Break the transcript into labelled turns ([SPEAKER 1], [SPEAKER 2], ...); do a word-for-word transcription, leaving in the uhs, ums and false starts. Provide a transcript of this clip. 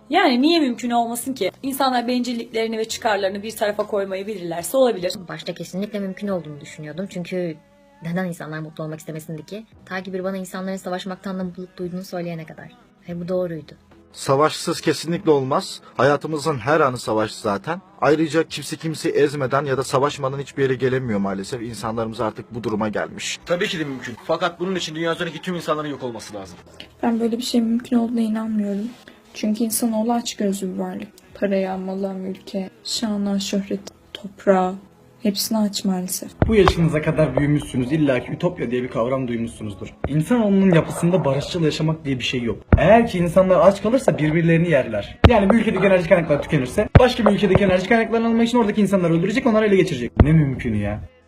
[SPEAKER 1] Yani niye mümkün olmasın ki? İnsanlar bencilliklerini ve çıkarlarını bir tarafa koymayı bilirlerse olabilir.
[SPEAKER 2] Başta kesinlikle mümkün olduğunu düşünüyordum. Çünkü neden insanlar mutlu olmak istemesindi ki? Ta ki bir bana insanların savaşmaktan da mutluluk duyduğunu söyleyene kadar. Ve bu doğruydu.
[SPEAKER 3] Savaşsız kesinlikle olmaz. Hayatımızın her anı savaş zaten. Ayrıca kimse kimseyi ezmeden ya da savaşmadan hiçbir yere gelemiyor maalesef. İnsanlarımız artık bu duruma gelmiş.
[SPEAKER 4] Tabii ki de mümkün. Fakat bunun için dünya üzerindeki tüm insanların yok olması lazım.
[SPEAKER 5] Ben böyle bir şey mümkün olduğuna inanmıyorum. Çünkü insanoğlu açgözlü bir varlık. Paraya, mala, mülke, şana, şöhret, toprağa hepsini aç maalesef.
[SPEAKER 6] Bu yaşınıza kadar büyümüşsünüz. İlla ki ütopya diye bir kavram duymuşsunuzdur. İnsanoğlunun yapısında barışçıl yaşamak diye bir şey yok. Eğer ki insanlar aç kalırsa birbirlerini yerler. Yani bir ülkedeki enerji kaynakları tükenirse başka bir ülkedeki enerji kaynaklarını almak için oradaki insanları öldürecek, onları ele geçirecek. Ne mümkün ya.